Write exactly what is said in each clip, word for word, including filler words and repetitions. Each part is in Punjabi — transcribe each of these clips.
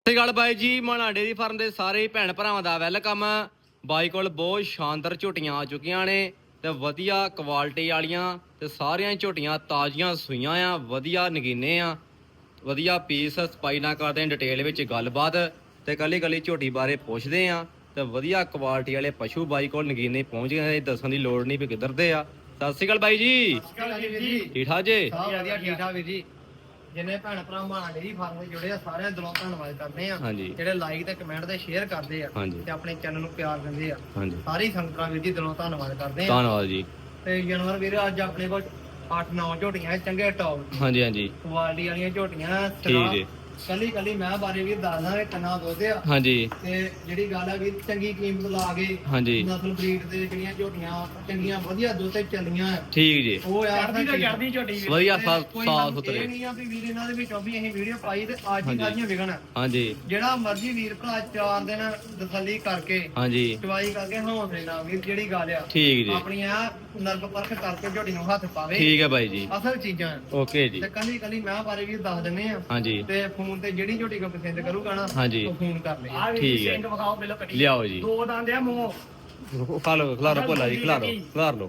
ਸਤਿ ਸ਼੍ਰੀ ਅਕਾਲ ਬਾਈ ਜੀ। ਮਾਣਾ ਡੇਅਰੀ ਫਾਰਮ ਦੇ ਸਾਰੇ ਭੈਣ ਭਰਾਵਾਂ ਦਾ ਵੈਲਕਮ। ਬਾਈ ਕੋਲ ਬਹੁਤ ਸ਼ਾਨਦਾਰ ਝੋਟੀਆਂ ਆ ਚੁੱਕੀਆਂ ਨੇ ਤੇ ਵਧੀਆ ਕੁਆਲਿਟੀ ਵਾਲੀਆਂ ਤੇ ਸਾਰੀਆਂ ਝੋਟੀਆਂ ਤਾਜ਼ੀਆਂ ਸੂਈਆਂ ਆ, ਵਧੀਆ ਨਗੀਨੇ ਆ, ਵਧੀਆ ਪੀਸ ਸਪਾਈ ਨਾਲ ਕਰਦੇ ਆ, ਡਿਟੇਲ ਵਿੱਚ ਗੱਲਬਾਤ ਤੇ ਕੱਲੀ ਕੱਲੀ ਝੋਟੀ ਬਾਰੇ ਪੁੱਛਦੇ ਆ ਤੇ ਵਧੀਆ ਕੁਆਲਿਟੀ ਵਾਲੇ ਪਸ਼ੂ ਬਾਈ ਕੋਲ ਨਗੀਨੇ ਪਹੁੰਚ ਗਏ। ਦੱਸਣ ਦੀ ਲੋੜ ਨਹੀਂ ਵੀ ਕਿੱਧਰ ਦੇ ਆ। ਸਤਿ ਸ਼੍ਰੀ ਅਕਾਲ ਬਾਈ ਜੀ। ਠੀਕ ਠਾਕ ਜੀ? ਸਭ ਵਧੀਆ ਠੀਕ ਠਾਕ ਵੀਰ ਜੀ। ਜਿੰਨੇ ਭੈਣ ਭਰਾ ਮਾਣਾ ਡੇਅਰੀ ਫਾਰਮ ਦੇ ਜੁੜੇ ਆ ਸਾਰਿਆਂ ਦਾ ਦਿਲੋਂ ਧੰਨਵਾਦ ਕਰਦੇ ਆ। ਜਿਹੜੇ ਲਾਈਕ ਤੇ ਕਮੈਂਟ ਤੇ ਸ਼ੇਅਰ ਕਰਦੇ ਆ ਤੇ ਆਪਣੇ ਚੈਨਲ ਨੂੰ ਪਿਆਰ ਦਿੰਦੇ ਆ, ਸਾਰੀ ਸੰਗਤਾਂ ਵੀਰ ਜੀ ਦਿਲੋਂ ਧੰਨਵਾਦ ਕਰਦੇ ਆ। ਧੰਨਵਾਦ ਜੀ। ਤੇ ਜਾਨਵਰ ਵੀਰ ਅੱਜ ਆਪਣੇ ਕੋਲ ਅੱਠ ਨੌ ਝੋਟੀਆਂ ਚੰਗੇ ਟੌਪ ਹਾਂਜੀ ਹਾਂਜੀ ਕੁਆਲਿਟੀ ਵਾਲੀਆਂ ਝੋਟੀਆਂ। ਠੀਕ ਜੀ। ਕੱਲੀ ਕੱਲੀ ਮੈਂ ਬਾਰੇ ਵੀਰ ਦੱਸਦਾ ਕਿ ਕਿੰਨਾ ਦੁੱਧ ਆ। ਹਾਂਜੀ। ਤੇ ਜਿਹੜੀ ਗੱਲ ਆ ਵੀਰ ਚੰਗੀ ਕੀਮਤ ਲਾ ਕੇ ਹਾਂਜੀ ਨਸਲ ਬਰੀਡ ਦੇ ਜਿਹੜੀਆਂ ਝੋਟੀਆਂ ਚੰਗੀਆਂ ਵਧੀਆ ਦੁੱਧ ਤੇ ਚੱਲੀਆਂ। ਠੀਕ ਜੀ। ਉਹ ਯਾਰ ਦੀ ਜਰਦੀ ਝੋਟੀ ਵਧੀਆ ਸਾਫ ਸੁਥਰੇ। ਇਹ ਨਹੀਂ ਆ ਵੀ ਵੀਰ ਇਹਨਾਂ ਦੇ ਵਿੱਚੋਂ ਵੀ ਅਸੀਂ ਵੀਡੀਓ ਪਾਈ ਤੇ ਅੱਜ ਹੀ ਕਾਹੀਆਂ ਵਿਕਣ। ਹਾਂਜੀ। ਜਿਹੜਾ ਮਰਜ਼ੀ ਵੀਰ ਭਰਾ ਚਾਰ ਦਿਨ ਤਸੱਲੀ ਕਰਕੇ ਹਾਂਜੀ ਚਵਾਈ ਕਰਕੇ ਹੌਸਲੇ ਨਾਲ ਵੀਰ ਜਿਹੜੀ ਗੱਲ ਆ ਠੀਕ ਜੀ ਆਪਣੀਆਂ ਨਰਕ ਪਰਖ ਕਰਕੇ ਝੋਟੀ ਨੂੰ ਹੱਥ ਪਾਵੇ। ਠੀਕ ਹੈ ਬਾਈ ਜੀ। ਅਸਲ ਚੀਜ਼ਾਂ ਓਕੇ ਜੀ। ਤੇ ਕੱਲੀ ਕੱਲੀ ਮੈਂ ਬਾਰੇ ਵੀ ਦੱਸ ਦਿੰਨੇ ਆ। ਹਾਂਜੀ। ਤੇ ਫੋਨ ਤੇ ਜਿਹੜੀ ਝੋਟੀ ਕੋ ਪਸੰਦ ਕਰੂਗਾ ਨਾ ਹਾਂਜੀ ਉਹ ਫੋਨ ਕਰ ਲੈ। ਠੀਕ ਹੈ। ਵਿਖਾਓ ਪਹਿਲਾਂ ਕੱਟੀ ਲਿਆਓ ਜੀ। ਦੋ ਦੰਦ ਆ ਮੂੰਹ ਖਾ ਲਓ ਖਲਾਰੋ ਭੋਲਾ ਜੀ, ਖਲਾਰੋ ਖਲਾਰ ਲਓ।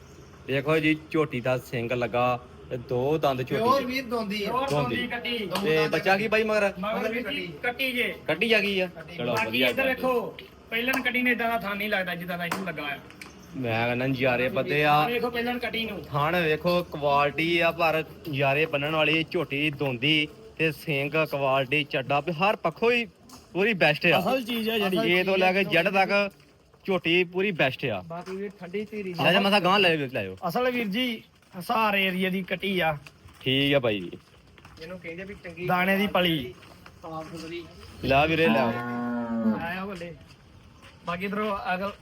ਦੇਖੋ ਜੀ ਝੋਟੀ ਦਾ ਸਿੰਗ ਲੱਗਾ ਤੇ ਦੋ ਦੰਦ ਹੋਰ ਝੋਟੀ ਵੀਰ ਦੋਂਦੀ ਆ ਦੋਂਦੀ ਕੱਟੀ ਤੇ ਬੱਚਾ ਕੀ ਬਾਈ ਮਗਰ ਮਗਰ ਵੀ ਕੱਟੀ ਕੱਟੀ ਜੇ ਕੱਢੀ ਜਾ ਗਈ ਆ। ਚਲੋ ਬਾਕੀ ਵਧੀਆ ਇੱਧਰ ਦੇਖੋ ਪਹਿਲਾਂ ਕੱਟੀ ਨੇ ਇਦਾਂ ਦਾ ਥਾਂ ਨਹੀਂ ਲੱਗਦਾ ਜਿੱਦਾਂ ਦਾ ਇਹਨੂੰ ਲੱਗਾ ਆ। ਮੈਂ ਕਹਿੰਦਾ ਨਜ਼ਾਰੇ ਬੱਦੇ ਆ। ਵੇਖੋ ਪਹਿਲਾਂ ਕੱਟੀ ਨੂੰ ਥਣ ਵੇਖੋ ਕੁਆਲਿਟੀ ਆ, ਪਰ ਨਜ਼ਾਰੇ ਬੰਨਣ ਵਾਲੀ ਝੋਟੀ ਦੋਂਦੀ ਤੇ ਸਿੰਗ ਕੁਆਲਿਟੀ ਚੱਡਾ ਵੀ ਹਰ ਪੱਖੋਂ ਹੀ ਪੂਰੀ ਬੈਸਟ ਆ। ਅਸਲ ਚੀਜ਼ ਆ ਜਿਹੜੀ ਏ ਤੋਂ ਲੈ ਕੇ ਜੜ ਤੱਕ ਝੋਟੀ ਪੂਰੀ ਬੈਸਟ ਆ। ਬਾਕੀ ਵੀ ਠੰਡੀ ਧੀਰੀ ਲੈ ਜਾ ਮਸਾ ਗਾਂ ਲੈ ਲਿਓ। ਅਸਲ ਵੀਰ ਜੀ ਹਸਾਰ ਏਰੀਆ ਦੀ ਕੱਟੀ ਆ। ਠੀਕ ਆ ਬਾਈ ਜੀ। ਇਹਨੂੰ ਕਹਿੰਦੇ ਵੀ ਚੰਗੀ ਦਾਣੇ ਦੀ ਪਲੀ ਸਾਫ ਸੁਥਰੀ। ਲੈ ਵੀਰੇ ਲੈ ਆਇਆ ਬੱਲੇ। ਬਾਕੀ ਇਧਰੋਂ ਅਗਲ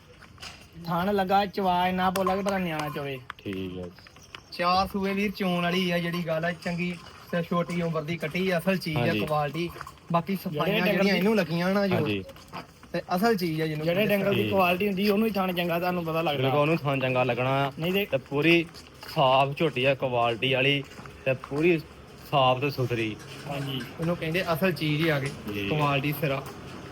ਥਾਣ ਲੱਗਾ ਚਵਾਜ ਨਾ ਬੋਲਾ ਕਿ ਪਤਾ ਨਿਆਣਾ ਚੋਵੇ। ਠੀਕ ਹੈ। ਚਾਰ ਸੂਏ ਵੀਰ ਚੋਣ ਵਾਲੀ ਆ ਜਿਹੜੀ ਗੱਲ ਆ ਚੰਗੀ ਤੇ ਛੋਟੀ ਉਮਰ ਦੀ ਕੱਟੀ ਅਸਲ ਚੀਜ਼ ਆ ਕੁਆਲਿਟੀ। ਬਾਕੀ ਸਫਾਈਆਂ ਜਿਹੜੀਆਂ ਇਹਨੂੰ ਲੱਗੀਆਂ ਨਾ ਜੋ ਤੇ ਅਸਲ ਚੀਜ਼ ਆ ਜਿਹਨੂੰ ਜਿਹੜੇ ਡੰਗਲ ਦੀ ਕੁਆਲਿਟੀ ਹੁੰਦੀ ਉਹਨੂੰ ਹੀ ਥਾਣ ਚੰਗਾ ਤੁਹਾਨੂੰ ਪਤਾ ਲੱਗਦਾ। ਬਿਲਕੁਲ ਉਹਨੂੰ ਥਾਂ ਚੰਗਾ ਲੱਗਣਾ ਨਹੀਂ ਤੇ ਪੂਰੀ ਸਾਫ ਝੋਟੀ ਆ ਕੁਆਲਿਟੀ ਵਾਲੀ ਤੇ ਪੂਰੀ ਸਾਫ ਤੇ ਸੁਥਰੀ। ਹਾਂਜੀ ਇਹਨੂੰ ਕਹਿੰਦੇ ਅਸਲ ਚੀਜ਼ ਹੀ ਆ ਗਈ ਕੁਆਲਿਟੀ ਸਿਰਾ।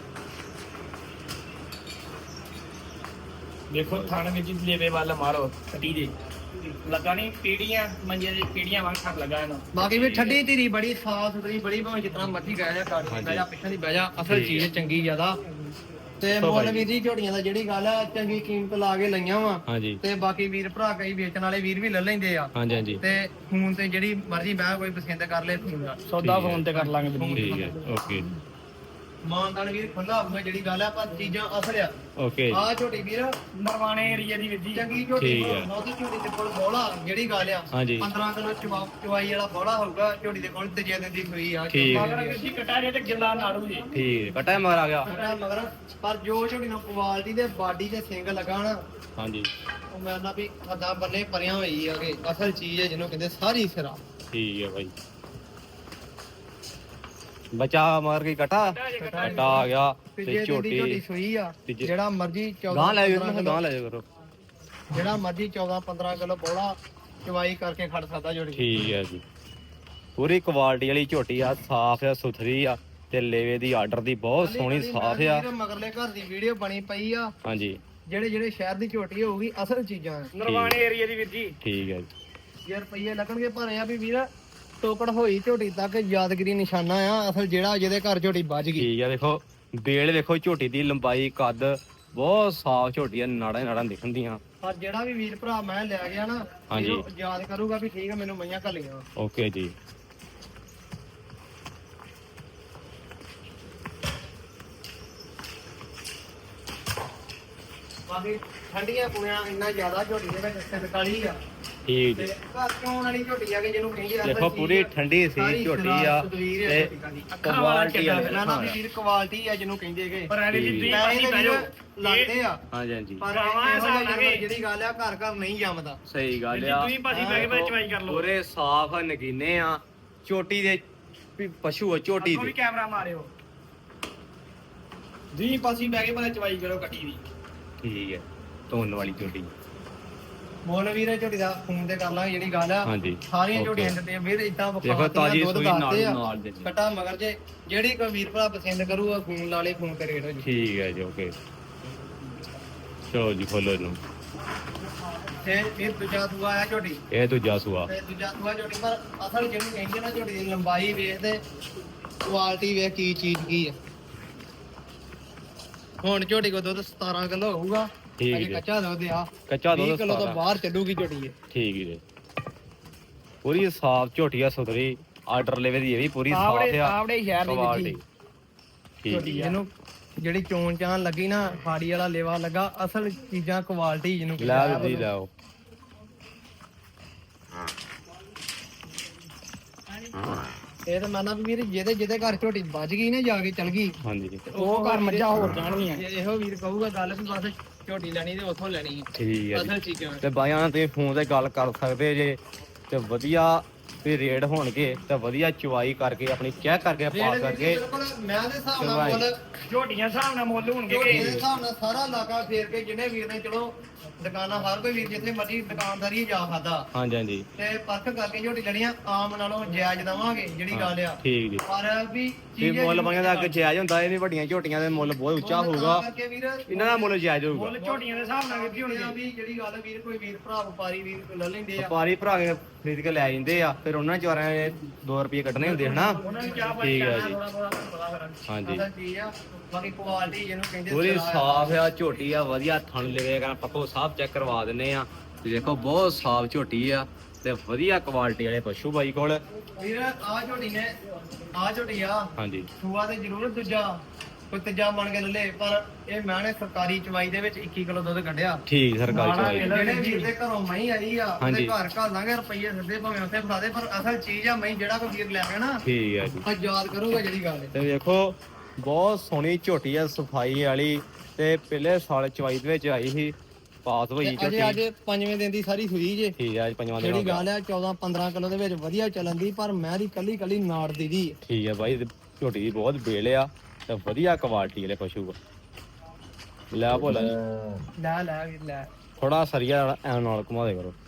ਦੇਖੋ ਥਾਣ ਵਿੱਚ ਲੇਵੇ ਵੱਲ ਮਾਰੋ ਕੱਟੀ ਦੇ ਲੱਗਾ ਨਹੀਂ ਪੀੜੀਆਂ ਮੰਜੇ ਦੀ ਪੀੜੀਆਂ ਵਾਂਗ ਥੱਕ ਲੱਗਾ ਇਹਨੂੰ। ਬਾਕੀ ਵੀ ਠੰਡੀ ਧੀਰੀ ਬੜੀ ਸਾਫ ਸੁਥਰੀ ਬੜੀ ਭਾਵੇਂ ਜਿਤਨਾ ਮਰਜ਼ੀ ਕਹਿ ਜਾ ਕਾੜੀ ਬਹਿ ਜਾ ਪਿੱਛੇ ਦੀ ਬਹਿ ਜਾ ਅਸਲ ਚੀਜ਼ ਚੰਗੀ ਜ਼ਿਆਦਾ। ਤੇ ਮੁੱਲ ਵੀਰ ਜੀ ਝੋਟੀਆਂ ਦਾ ਜਿਹੜੀ ਗੱਲ ਆ ਚੰਗੀ ਕੀਮਤ ਲਾ ਕੇ ਲਈਆਂ ਵਾ। ਹਾਂਜੀ। ਤੇ ਬਾਕੀ ਵੀਰ ਭਰਾ ਕਈ ਵੇਚਣ ਵਾਲੇ ਵੀਰ ਵੀ ਲੈ ਲੈਂਦੇ ਆ। ਹਾਂਜੀ ਹਾਂਜੀ। ਤੇ ਫੋਨ ਤੇ ਜਿਹੜੀ ਮਰਜ਼ੀ ਮੈਂ ਕੋਈ ਪਸੰਦ ਕਰ ਲੈ ਫੋਨ ਸੌਦਾ ਫੋਨ ਤੇ ਕਰ ਲਾਂਗੇ। ਠੀਕ ਹੈ ਓਕੇ। ਮਾਨਦਾਨ ਵੀਰ ਖੁੱਲਾ ਹੋਊਗਾ ਜਿਹੜੀ ਗੱਲ ਆ ਪਰ ਚੀਜ਼ਾਂ ਅਸਲ ਆ। ਓਕੇ। ਆ ਝੋਟੀ ਵੀਰ ਨਰਵਾਣੇ ਏਰੀਆ ਦੀ ਵਿੱਦੀ ਚੰਗੀ ਝੋਟੀ ਬਹੁਤੀ ਝੋਟੀ ਦੇ ਕੋਲ ਬੋਲਾ ਜਿਹੜੀ ਗੱਲ ਆ ਪੰਦਰਾਂ ਕਿਲੋ ਚਵਾਈ ਵਾਲਾ ਬੋਲਾ ਹੋਊਗਾ ਝੋਟੀ ਦੇ ਕੋਲ ਤੇਜੇ ਦਿਨ ਦੀ ਹੋਈ ਆ। ਮਗਰ ਵਿੱਦੀ ਕਟਾ ਜੇ ਤੇ ਗਿੱਲਾ ਨਾੜੂ ਜੀ। ਠੀਕ ਕਟਾ ਮਗਰ ਆ ਗਿਆ ਮਗਰ ਪਰ ਜੋ ਝੋਟੀ ਨੂੰ ਕੁਆਲਿਟੀ ਦੇ ਬਾਡੀ ਤੇ ਸਿੰਗ ਲਗਾ ਨਾ ਹਾਂਜੀ ਉਹ ਮੈਂ ਨਾ ਵੀ ਹੱਦਾਂ ਬੰਨੇ ਪਰਿਆਂ ਹੋਈ ਆ ਕਿ ਅਸਲ ਚੀਜ਼ ਹੈ ਜਿਹਨੂੰ ਕਹਿੰਦੇ ਸਾਰੀ ਸਿਰਾ। ਠੀਕ ਹੈ ਬਾਈ। ਬਚਾ ਮਾਰ ਕੇ ਕਟਾ ਕਟਾ ਆ ਗਿਆ ਤੇ ਝੋਟੀ ਸੂਈ ਆ ਜਿਹੜਾ ਮਰਜੀ ਗਾਂ ਲੈ ਜਾ ਗਾਂ ਲੈ ਜਾ ਕਰੋ ਜਿਹੜਾ ਮਰਜੀ ਚੌਦਾਂ ਪੰਦਰਾਂ ਕਿਲੋ ਬੋਲਾ ਚਵਾਈ ਕਰਕੇ ਖੜ ਸਕਦਾ ਝੋਟੀ। ਠੀਕ ਹੈ ਜੀ। ਪੂਰੀ ਕੁਆਲਿਟੀ ਵਾਲੀ ਝੋਟੀ ਆ, ਸਾਫ ਆ ਸੁਥਰੀ ਆ ਤੇ ਲੇਵੇ ਦੀ ਆਰਡਰ ਦੀ ਬਹੁਤ ਸੋਹਣੀ ਸਾਫ ਆ। ਮਗਰਲੇ ਘਰ ਦੀ ਵੀਡੀਓ ਬਣੀ ਪਈ ਆ। ਹਾਂਜੀ। ਜਿਹੜੇ ਜਿਹੜੇ ਸ਼ਹਿਰ ਦੀ ਝੋਟੀ ਹੋਊਗੀ ਅਸਲ ਚੀਜ਼ਾਂ ਨਰਵਾਣੇ ਏਰੀਆ ਦੀ ਵੀਰ ਜੀ। ਠੀਕ ਹੈ ਜੀ। ਯਾਰ ਰੁਪਈਏ ਲੱਗਣਗੇ ਪਰ ਆ ਵੀ ਵੀਰ ਟੋਕੜ ਹੋਈ ਝੋਟੀ ਤੱਕ ਯਾਦਗਰੀ ਨਿਸ਼ਾਨਾ ਆ ਅਸਲ ਜਿਹੜਾ ਜਿਹਦੇ ਘਰ ਝੋਟੀ ਵੱਜ ਗਈ। ਠੀਕ ਆ। ਦੇਖੋ ਬੇਲ ਵੇਖੋ ਝੋਟੀ ਦੀ ਲੰਬਾਈ ਕੱਦ ਬਹੁਤ ਸਾਫ ਝੋਟੀ ਆ, ਨਾੜਾਂ ਨਾੜਾਂ ਦਿਖਣਦੀਆਂ। ਪਰ ਜਿਹੜਾ ਵੀ ਵੀਰ ਭਰਾ ਮੈਂ ਲੈ ਗਿਆ ਨਾ ਹਾਂਜੀ ਯਾਦ ਕਰੂਗਾ ਵੀ ਠੀਕ ਆ ਮੈਨੂੰ ਮਈਆਂ ਘੱਲੀਆਂ। ਓਕੇ ਜੀ। ਬਾਕੀ ਠੰਡੀਆਂ ਪੁਣਿਆ ਇੰਨਾ ਜ਼ਿਆਦਾ ਝੋਟੀ ਦੇ ਵਿੱਚ ਸਿੰਗਕਾਲੀ ਆ। ਠੀਕ ਜੀ। ਘਰ ਚੋਂ ਵਾਲੀ ਝੋਟੀ ਆ ਕਿ ਜਿਹਨੂੰ ਕਹਿੰਦੇ ਆ ਦੇਖੋ ਪੂਰੀ ਠੰਡੀ ਸੀ ਝੋਟੀ ਆ ਤੇ ਕੁਆਲਿਟੀ ਆ ਨਾ ਨਾ ਵੀਰ ਕੁਆਲਿਟੀ ਆ ਜਿਹਨੂੰ ਕਹਿੰਦੇ ਕਿ ਪਰ ਇਹਦੀ ਦੀ ਪਾਸੀ ਬੈਜੋ ਲੱਗਦੇ ਆ। ਹਾਂਜੀ ਹਾਂਜੀ। ਪਰ ਜਿਹੜੀ ਗੱਲ ਆ ਘਰ ਘਰ ਨਹੀਂ ਜੰਮਦਾ। ਸਹੀ ਗੱਲ ਆ। ਤੁਸੀਂ ਪਾਸੀ ਬੈ ਕੇ ਚਵਾਈ ਕਰ ਲਓ। ਪੂਰੇ ਸਾਫ ਨਗੀਨੇ ਆ ਝੋਟੀ ਦੇ ਪਸ਼ੂ ਆ ਝੋਟੀ ਦੇ। ਕੈਮਰਾ ਮਾਰਿਓ ਦੀ ਪਾਸੀ ਬੈ ਕੇ ਪਹਿਲਾਂ ਚਵਾਈ ਕਰੋ ਕੱਟੀ ਦੀ। ਠੀਕ ਹੈ। ਧੋਣ ਵਾਲੀ ਝੋਟੀ ਮੁੱਲ ਵੀਰੇ ਝੋਟੀ ਦਾ ਫੋਨ ਤੇ ਕਰ ਲਾਂਗੇ ਜਿਹੜੀ ਗੱਲ ਆ ਹਾਂਜੀ ਸਾਰੀਆਂ Okay. ਝੋਟੀਆਂ ਦਿੱਤੀਆਂ ਵੀਰ ਇਦਾਂ ਦੇਖੋ ਤਾਜੀ ਦੁੱਧ ਸੂਈ ਦੱਸਦੇ ਨਾਲ ਆ ਨਾਲ ਦੇ ਕਟਾ ਮਗਰ ਜੇ ਜਿਹੜੀ ਕੋਈ ਵੀਰ ਭਰਾ ਪਸੰਦ ਕਰੂਗਾ ਫੋਨ ਲਾ ਲੇ ਫੋਨ ਤੇ ਰੇਟ ਹੋ ਜੀ ਠੀਕ ਹੈ ਜੀ ਓਕੇ ਚਲੋ ਜੀ ਖੋਲੋ ਇਹਨੂੰ ਤੇ ਫਿਰ ਦੂਜਾ ਦੂਆ ਆਇਆ ਝੋਟੀ ਇਹ ਦੂਜਾ ਸੂਆ ਤੇ ਦੂਜਾ ਦੂਆ ਝੋਟੀ ਪਰ ਅਸਲ ਜਿਹਨੂੰ ਕਹਿੰਦੇ ਨਾ ਝੋਟੀ ਦੀ ਲੰਬਾਈ ਵੇਖ ਤੇ ਕੁਆਲਿਟੀ ਵੇਖ ਕੀ ਚੀਜ਼ ਕੀ ਆ ਹੁਣ ਝੋਟੀ ਕੋ ਦੁੱਧ ਸਤਾਰਾਂ ਕਿਲੋ ਹੋਊਗਾ ਠੀਕ ਅਜੇ ਜੀ। ਕੱਚਾ ਦੁੱਧ ਆ ਕੱਚਾ ਵੀਹ ਦੁੱਧ ਕਿਲੋ ਤੋਂ ਸਤਾਰਾਂ। ਬਾਹਰ ਚੱਲੂਗੀ ਝੋਟੀ ਇਹ ਠੀਕ ਜੀ ਪੂਰੀ ਸਾਫ ਝੋਟੀਆ ਸੁਧਰੀ ਆਰਡਰ ਲੈਵੇ ਦੀ ਇਹ ਵੀ ਪੂਰੀ ਆਵੜੇ ਸਾਫ ਆ ਆਵੜੇ ਸ਼ਹਿਰ ਦੀ ਕੁਆਲਿਟੀ ਵਿੱਚ ਠੀਕ ਝੋਟੀ ਜੀ ਜਿਹਨੂੰ ਜਿਹੜੀ ਚੋਣ ਚਾਣ ਲੱਗੀ ਨਾ ਫਾੜੀ ਵਾਲਾ ਲੇਵਾ ਲੱਗਾ ਅਸਲ ਚੀਜ਼ਾਂ ਕੁਆਲਿਟੀ ਜਿਹਨੂੰ ਲੈ ਕਹਿੰਦੇ ਆ ਜੀ ਲਾਓ ਇਹ ਤਾਂ ਮੰਨਦਾ ਵੀ ਵੀਰ ਜਿਹਦੇ ਜਿਹਦੇ ਘਰ ਝੋਟੀ ਵੱਜ ਗਈ ਨਾ ਜਾ ਕੇ ਚਲ ਗਈ ਹਾਂਜੀ ਤੇ ਉਹ ਘਰ ਮੱਝਾਂ ਹੋਰ ਜਾਣਗੀਆਂ ਇਹੋ ਵੀਰ ਕਹੂਗਾ ਗੱਲ ਵੀ ਬਸ ਝੋਟੀ ਲੈਣੀ ਤੇ ਉੱਥੋਂ ਲੈਣੀ ਹੈ ਠੀਕ ਹੈ ਜੀ ਅਸਲ ਚੀਜ਼ਾਂ ਤੇ ਬਾਈਆਂ ਨਾਲ ਤੁਸੀਂ ਫੋਨ ਤੇ ਗੱਲ ਕਰ ਸਕਦੇ ਜੇ ਤੇ ਵਧੀਆ ਤੇ ਰੇਟ ਹੋਣਗੇ ਤੇ ਵਧੀਆ ਚੁਆਈ ਕਰਕੇ ਆਪਣੀ ਚੈੱਕ ਕਰਕੇ ਪਾ ਕਰਕੇ ਬਿਲਕੁਲ ਮੈਂ ਦੇ ਹਿਸਾਬ ਨਾਲ ਚਲਵਾਈ। ਮੁੱਲ ਝੋਟੀਆਂ ਹਿਸਾਬ ਨਾਲ ਮੁੱਲ ਹੋਣਗੇ ਝੋਟੀ ਦੇ ਹਿਸਾਬ ਨਾਲ ਸਾਰਾ ਇਲਾਕਾ ਫੇਰ ਕੇ ਜਿਹਨੇ ਵੀਰ ਨੇ ਚਲੋ ਦੁਕਾਨਾਂ ਹਰ ਕੋਈ ਵੀਰ ਜਿੱਥੇ ਮਰਜੀ ਦੁਕਾਨਦਾਰੀ ਜਾ ਖਾਦਾ ਹਾਂਜੀ ਹਾਂਜੀ ਤੇ ਪਰਖ ਕਰਕੇ ਝੋਟੀ ਲੈਣੀਆਂ ਆਮ ਨਾਲੋਂ ਜਾਇਜ਼ ਦਵਾਂਗੇ ਜਿਹੜੀ ਗੱਲ ਆ ਠੀਕ ਜੀ ਪਰ ਵੀ ਤੇ ਚੀਜ਼ ਮੁੱਲ ਬਾਈਆਂ ਦਾ ਅੱਗੇ ਜਾਇਜ਼ ਹੁੰਦਾ ਇਹ ਨਹੀਂ ਵੱਡੀਆਂ ਝੋਟੀਆਂ ਦੇ ਮੁੱਲ ਬਹੁਤ ਉੱਚਾ ਹੋਊਗਾ ਕਰਕੇ ਵੀਰ ਇਹਨਾਂ ਦਾ ਮੁੱਲ ਜਾਇਜ਼ ਹੋਊਗਾ ਮੁੱਲ ਝੋਟੀਆਂ ਦੇ ਹਿਸਾਬ ਨਾਲ ਕਿੱਥੇ ਹੋਣੀ ਵੀ ਜਿਹੜੀ ਗੱਲ ਵੀਰ ਕੋਈ ਵੀਰ ਭਰਾ ਵਪਾਰੀ ਵੀਰ ਲੈ ਲੈਂਦੇ ਆ ਵਪਾਰੀ ਭਰਾ ਕੇ ਖਰੀਦ ਕੇ ਲੈ ਜਾਂਦੇ ਆ ਫਿਰ ਉਹਨਾਂ ਚੋਰਾਂ ਨੇ ਦੋ ਰੁਪਏ ਕੱਢਣੇ ਹੁੰਦੇ ਹਨਾ ਉਹਨਾਂ ਨੂੰ ਚਾਹ ਠੀਕ ਹੈ ਜੀ ਥੋੜਾ ਥੋੜਾ ਪਤਾ ਕਰਾਂ ਹਾਂਜੀ ਅਸਲ ਚੀਜ਼ ਆ ਬਾਕੀ ਕੁਆਲਿਟੀ ਜਿਹਨੂੰ ਕਹਿੰਦੇ ਪੂਰੀ ਸਿਰਾ ਆ। ਸਾਫ ਆ ਝੋਟੀ ਆ ਵਧੀਆ ਥਣ ਲਵੇ ਕਰਾਂ ਪੱਕੋ ਸਾਫ ਚੈੱਕ ਕਰਵਾ ਦਿੰਨੇ ਆ ਤੇ ਦੇਖੋ ਬਹੁਤ ਸਾਫ ਝੋਟੀ ਆ ਤੇ ਵਧੀਆ ਕੁਆਲਿਟੀ ਵਾਲੇ ਪਸ਼ੂ ਬਾਈ ਕੋਲ ਵੀਰ ਆ ਝੋਟੀ ਨੇ ਆ ਝੋਟੀ ਆ ਹਾਂਜੀ ਸੂਆ ਤੇ ਜ਼ਰੂਰ ਦੂਜਾ ਕੋਈ ਤੀਜਾ ਬਣ ਕੇ ਲੈ ਪਰ ਇਹ ਮੈਂ ਨੇ ਸਰਕਾਰੀ ਚਵਾਈ ਦੇ ਵਿੱਚ ਇੱਕੀ ਕਿਲੋ ਦੁੱਧ ਕੱਢਿਆ ਠੀਕ ਸਰਕਾਰੀ ਚਵਾਈ ਜਿਹੜੇ ਵੀਰ ਦੇ ਘਰੋਂ ਮਹੀਂ ਆਈ ਆ ਉਹਦੇ ਹਾਂਜੀ। ਘਰ ਘਰ ਲਾਂਗੇ ਰੁਪਈਏ ਸਿੱਧੇ ਭਾਵੇਂ ਉੱਥੇ ਫੜਾ ਦੇ ਪਰ ਅਸਲ ਚੀਜ਼ ਆ ਮਹੀਂ ਜਿਹੜਾ ਕੋਈ ਵੀਰ ਲੈ ਗਿਆ ਨਾ ਠੀਕ ਹੈ ਜੀ ਉਹ ਯਾਦ ਕਰੂਗਾ ਜਿਹੜੀ ਗੱਲ ਹੈ ਤੇ ਵੇਖੋ ਬਹੁਤ ਸੋਹਣੀ ਝੋਟੀ ਆ ਸਫਾਈ ਵਾਲੀ ਤੇ ਪਹਿਲੇ ਸਾਲ ਚਵਾਈ ਦੇ ਵਿੱਚ ਆਈ ਸੀ ਪਾਸ ਹੋਈ ਤੇ ਅਜੇ ਅੱਜ ਝੋਟੀ ਪੰਜਵੇਂ ਦਿਨ ਦੀ ਸਾਰੀ ਸੂਈ ਜੇ ਠੀਕ ਹੈ ਅੱਜ ਪੰਜਵਾਂ ਦਿਨ ਹੋ ਜਿਹੜੀ ਗਿਆ ਗੱਲ ਆ ਚੌਦਾਂ ਪੰਦਰਾਂ ਕਿਲੋ ਦੇ ਵਿੱਚ ਵਧੀਆ ਚੱਲਣ ਦੀ ਪਰ ਮੈਂ ਦੀ ਕੱਲੀ ਕੱਲੀ ਨਾੜ ਦੀ ਦੀ ਠੀਕ ਹੈ ਬਾਈ ਤੇ ਝੋਟੀ ਦੀ ਬਹੁਤ ਬੇਲ ਆ ਤੇ ਵਧੀਆ ਕੁਆਲਿਟੀ ਵਾਲੇ ਪਸ਼ੂ ਆ ਲੈ ਭੋਲਾ ਜੀ ਲੈ ਲੈ ਵੀਰ ਲੈ ਥੋੜਾ ਸਰੀਆ ਐ ਨਾਲ ਘੁਮਾ ਦੇ ਕਰੋ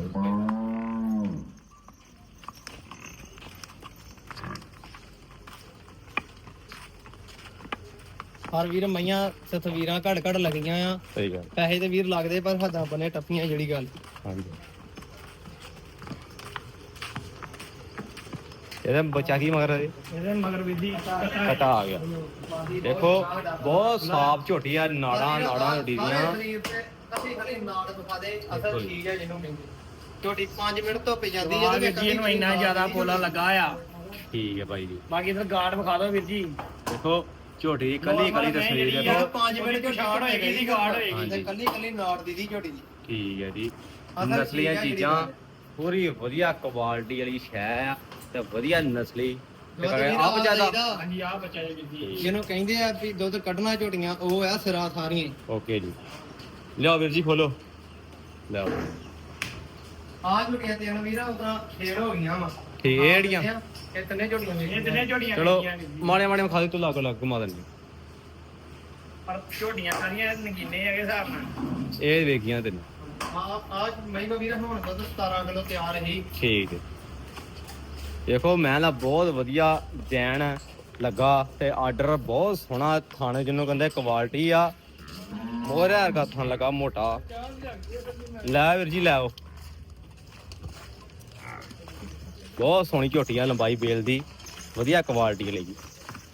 ਹਰ ਵੀਰ ਮਈਆਂ ਤਸਵੀਰਾਂ ਘੜ ਘੜ ਲੱਗੀਆਂ ਆ ਸਹੀ ਗੱਲ ਪੈਸੇ ਤੇ ਵੀਰ ਲੱਗਦੇ ਪਰ ਹੱਦਾਂ ਬਨੇ ਟੱਪੀਆਂ ਜਿਹੜੀ ਗੱਲ ਹਾਂਜੀ ਇਹਦਾ ਬੱਚਾ ਕੀ ਮਗਰ ਹੈ ਇਹਦੇ ਮਗਰ ਵਿਧੀ ਕਟਾ ਆ ਗਿਆ ਦੇਖੋ ਬਹੁਤ ਸਾਫ ਝੋਟੀ ਆ ਨਾੜਾਂ ਨਾੜਾਂ ਝੋਟੀ ਦੀਆਂ ਅਸੀਂ ਖਾਲੀ ਨਾੜ ਦਿਖਾ ਦੇ ਅਸਲ ਚੀਜ਼ ਹੈ ਜਿਹਨੂੰ ਕਹਿੰਦੇ ਝੋਟੀ ਪੰਜ ਮਿੰਟ ਧੁੱਪ ਜਾਂਦੀ ਹੈ ਵੀਰ ਜੀ ਇਹਨੂੰ ਇੰਨਾ ਜ਼ਿਆਦਾ ਪੋਲਾ ਲੱਗਾ ਆ ਠੀਕ ਹੈ ਬਾਈ ਜੀ ਬਾਕੀ ਫਿਰ ਗਾਰਡ ਵਿਖਾ ਦਿਓ ਵੀਰ ਜੀ ਦੇਖੋ ਝੋਟੀ ਕੱਲੀ ਕੱਲੀ ਤਸਵੀਰ ਜਿਹੜੀ ਦੇਖੋ ਪੰਜ ਮਿੰਟ ਚ ਛਾੜ ਹੋਏਗੀ, ਇਹਦੀ ਗਾਰਡ ਹੋਏਗੀ। ਹਾਂਜੀ। ਕੱਲੀ ਕੱਲੀ ਨਾੜ ਦੀ ਦੀ ਝੋਟੀ ਦੀ ਠੀਕ ਹੈ ਜੀ ਅਸਲ ਨਸਲੀਆਂ ਚੀਜ਼ ਆ ਜਿਹੜੀ ਚੀਜ਼ਾਂ ਗੱਲ। ਪੂਰੀ ਵਧੀਆ ਕੁਆਲਿਟੀ ਵਾਲੀ ਸ਼ੈ ਆ ਤੇ ਵਧੀਆ ਨਸਲੀ ਤੇ ਦੁੱਧ ਕਰੇ ਵੀਰ ਆਪ ਜਿਆਦਾ ਦਈਦਾ। ਹਾਂਜੀ ਆ ਬੱਚਾ ਜੀ ਵੀਰ ਜੀ ਜਿਹਨੂੰ ਕਹਿੰਦੇ ਆ ਵੀ ਦੁੱਧ ਕੱਢਣਾ ਝੋਟੀਆਂ ਉਹ ਆ ਸਿਰਾ ਸਾਰੀਆਂ ਓਕੇ ਜੀ ਲਿਆਓ ਵੀਰ ਜੀ ਖੋਲੋ ਲਿਆਓ ਆ ਝੋਟੀਆਂ ਤੇ ਵੀਰਾ ਉਤਰਾ ਫੇਰ ਹੋ ਗਈਆਂ ਵਾ ਠੀਕ ਇਹ ਜਿਹੜੀਆਂ ਇਹ ਤਿੰਨੇ ਝੋਟੀਆਂ ਇਹ ਤਿੰਨੇ ਝੋਟੀਆਂ ਚਲੋ ਲੱਗੀਆਂ ਵੀਰ ਜੀ। ਮਾੜੇ ਮਾੜੇ ਖਾ ਦੇ ਤੂੰ ਲਾ ਕੇ ਲਾ ਘੁਮਾ ਦਿੰਦੀ ਪਰ ਝੋਟੀਆਂ ਸਾਰੀਆਂ ਨਗੀਨੇ ਹੈਗੇ ਹਿਸਾਬ ਨਾਲ ਇਹ ਵੇਖੀਆਂ ਤੈਨੂੰ ਆ ਆ ਮੈਂ ਵੀਰਾ ਹੁਣ ਦੁੱਧ ਸਤਾਰਾਂ ਕਿਲੋ ਤਿਆਰ ਰਹੀ ਠੀਕ ਹੈ ਦੇਖੋ ਮੈਂ ਨਾ ਬਹੁਤ ਵਧੀਆ ਡੈਣ ਲੱਗਾ ਤੇ ਆਰਡਰ ਬਹੁਤ ਸੋਹਣਾ ਥਾਣੇ ਜਿਹਨੂੰ ਕਹਿੰਦੇ ਕੁਆਲਿਟੀ ਆ ਮੋਹਰੇ ਵਰਗਾ ਥਣ ਲੱਗਾ ਮੋਟਾ ਲੈ ਵੀਰ ਜੀ ਲੈ ਆਓ ਬਹੁਤ ਸੋਹਣੀ ਝੋਟੀ ਆ ਲੰਬਾਈ ਬੇਲ ਦੀ ਵਧੀਆ ਕੁਆਲਿਟੀ ਲਈ ਜੀ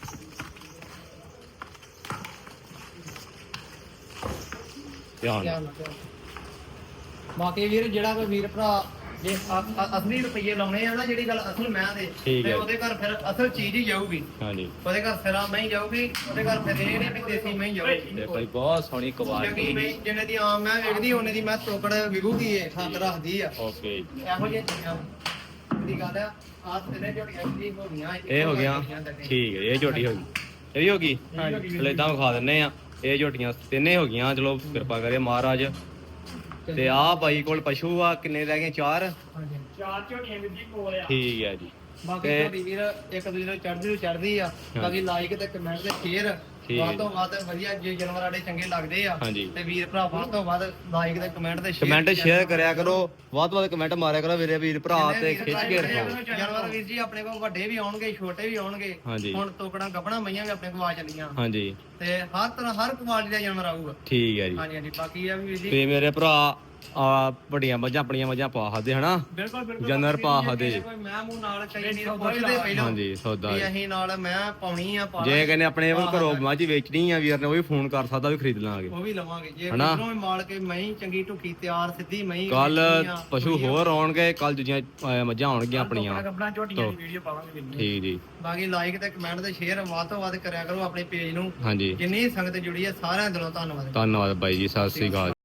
ਧਿਆਨ ਨਾਲ। ਬਾਕੀ ਵੀਰ ਜਿਹੜਾ ਕੋਈ ਵੀਰ ਭਰਾ ਜੇ ਅ- ਅ- ਅਸਲੀ ਰੁਪਈਏ ਲਾਉਣੇ ਆ ਨਾ ਜਿਹੜੀ ਗੱਲ ਅਸਲ ਮੈਂ ਦੇ ਠੀਕ ਤੇ ਹੈ। ਉਹਦੇ ਘਰ ਫਿਰ ਅਸਲ ਚੀਜ਼ ਹੀ ਜਾਊਗੀ ਹਾਂਜੀ ਉਹਦੇ ਘਰ ਸਿਰਾ ਨਹੀਂ ਜਾਊਗੀ ਉਹਦੇ ਘਰ ਫਿਰ ਇਹ ਨਹੀਂ ਵੀ ਦੇਸੀ ਮੈਂ ਜਾਊਗੀ ਤੇ ਭਾਈ ਬਹੁਤ ਸੋਹਣੀ ਕਿਉਂਕਿ ਕੁਆਲਿਟੀ ਮੈਂ ਜਿੰਨੇ ਦੀ ਆਮ ਮੈਂ ਵੇਖਦੀ ਉਹਨੇ ਦੀ ਮੈਂ ਟੋਕੜ ਵਿਗੂਗੀ ਇਹ ਹੱਥ ਰੱਖਦੀ ਆ ਓਕੇ ਇਹੋ ਜਿਹੀ ਚੀਜ਼ਾਂ ਦੀ ਗੱਲ ਆ ਆਹ ਤਿੰਨੇ ਝੋਟੀਆਂ ਜਿਹੜੀ ਹੋ ਗਈਆਂ ਇਹ ਹੋ ਗਿਆ ਠੀਕ ਹੈ ਇਹ ਝੋਟੀ ਹੋ ਗਈ ਇਹ ਵੀ ਹੋ ਗਈ ਚਲੋ ਇਦਾਂ ਵਿਖਾ ਦਿੰਨੇ ਆ ਇਹ ਝੋਟੀਆਂ ਤਿੰਨੇ ਹੋ ਗਈਆਂ ਚਲੋ ਕਿਰਪਾ ਕਰੇ ਮਹਾਰਾਜ ਤੇ ਆਹ ਬਾਈ ਕੋਲ ਪਸ਼ੂ ਆ ਕਿੰਨੇ ਰਹਿ ਗਏ ਚਾਰ ਹਾਂਜੀ। ਚਾਰ ਝੋਟੀਆਂ ਵੀਰ ਜੀ ਕੋਲ ਆ ਠੀਕ ਹੈ ਜੀ ਬਾਕੀ ਤੇ- ਤੁਹਾਡੀ ਵੀਰ ਇੱਕ ਦੂਜੇ ਨੂੰ ਚੜ੍ਹਦੀ ਨੂੰ ਚੜ੍ਹਦੀ ਆ ਬਾਕੀ ਲਾਈਕ ਤੇ ਕਮੈਂਟ ਤੇ ਸ਼ੇਅਰ ਠੀਕ ਹੈ ਵੱਧ ਜੀ। ਤੋਂ ਵੱਧ ਵਧੀਆ ਜੇ ਜਾਨਵਰ ਸਾਡੇ ਚੰਗੇ ਲੱਗਦੇ ਆ ਹਾਂਜੀ। ਤੇ ਵੀਰ ਭਰਾ ਵੱਧ ਤੋਂ ਵੱਧ ਲਾਈਕ ਤੇ ਕਮੈਂਟ ਤੇ ਕਮੈਂਟ ਸ਼ੇਅਰ ਕਰਿਆ ਕਰੋ, ਵੱਧ ਤੋਂ ਵੱਧ ਕਮੈਂਟ ਮਾਰਿਆ ਕਰੋ ਵੀਰੇ ਵੀਰ ਭਰਾ ਤੇ ਖਿੱਚ ਕੇ ਰੱਖੋ। ਜਾਨਵਰ ਵੀਰ ਜੀ ਆਪਣੇ ਕੋਲ ਵੱਡੇ ਵੀ ਆਉਣਗੇ ਛੋਟੇ ਵੀ ਆਉਣਗੇ। ਹਾਂਜੀ। ਹੁਣ ਤੋਕੜਾਂ ਗੱਭਣਾ ਮਈਆਂ ਵੀ ਆਪਣੇ ਕੋਲ ਆ ਚੱਲੀਆਂ ਹਾਂਜੀ ਤੇ ਹਰ ਤਰ੍ਹਾਂ ਹਰ ਕੁਆਲਿਟੀ ਦਾ ਜਾਨਵਰ ਆਊਗਾ। ਠੀਕ ਹੈ ਜੀ। ਹਾਂਜੀ ਹਾਂਜੀ ਬਾਕੀ ਇਹ ਆ ਵੀ ਵੀਰ ਜੀ ਤੇ ਮੇਰੇ ਭਰਾ ਆ ਵੱਡੀਆਂ ਮੱਝਾਂ ਆਪਣੀਆਂ ਮੱਝਾਂ ਪਾ ਸਕਦੇ ਹਨਾ, ਬਿਲਕੁਲ ਬਿਲਕੁਲ ਜਾਨਵਰ ਪਾ ਸਕਦੇ। ਕੋਈ ਮੈਂ ਮੂੰਹ ਨਾਲ ਕਈ ਵੀਰ ਸੌਦਾ ਵੀ ਪੁੱਛਦੇ ਪਹਿਲਾਂ ਹਾਂਜੀ ਸੌਦਾ ਵੀ ਅਸੀਂ ਨਾਲ ਮੈਂ ਪਾਉਣੀ ਆ ਪਾ ਜੇ ਕਹਿੰਦੇ ਆਪਣੇ ਘਰੋਂ ਮੱਝ ਵੇਚਣੀ ਆ ਵੀਰ ਨੇ ਉਹ ਵੀ ਫੋਨ ਕਰ ਸਕਦਾ, ਵੀ ਖਰੀਦ ਲਾਂਗੇ। ਉਹ ਵੀ ਲਵਾਂਗੇ ਜੇ ਹਨਾ? ਕਿਧਰੋਂ ਵੀ ਮਾਲ ਕੇ ਮਹੀਂ ਚੰਗੀ ਢੁੱਕੀ ਤਿਆਰ ਸਿੱਧੀ ਮਹੀਂ ਕੱਲ ਵੇਚਣੀ ਆ, ਪਸ਼ੂ ਹੋਰ ਆਉਣਗੇ, ਕੱਲ ਦੂਜੀਆਂ ਅਹ, ਮੱਝਾਂ ਆਉਣਗੀਆਂ ਆਪਣੀਆਂ। ਕੱਪੜਾ ਝੋਟੀਆਂ ਦੀ ਵੀਡੀਓ ਪਾਵਾਂਗੇ ਵੀਰ ਠੀਕ ਜੀ। ਬਾਕੀ ਲਾਈਕ ਤੇ ਕਮੈਂਟ ਤੇ ਸ਼ੇਅਰ ਵੱਧ ਤੋਂ ਵੱਧ ਕਰਿਆ ਕਰੋ ਆਪਣੇ ਪੇਜ ਨੂੰ। ਹਾਂਜੀ ਜਿੰਨੀ ਸੰਗਤ ਜੁੜੀ ਹੈ ਸਾਰਿਆਂ ਦਿਲੋਂ ਧੰਨਵਾਦ। ਧੰਨਵਾਦ ਬਾਈ ਜੀ, ਸਤਿ ਸ੍ਰੀ ਅਕਾਲ।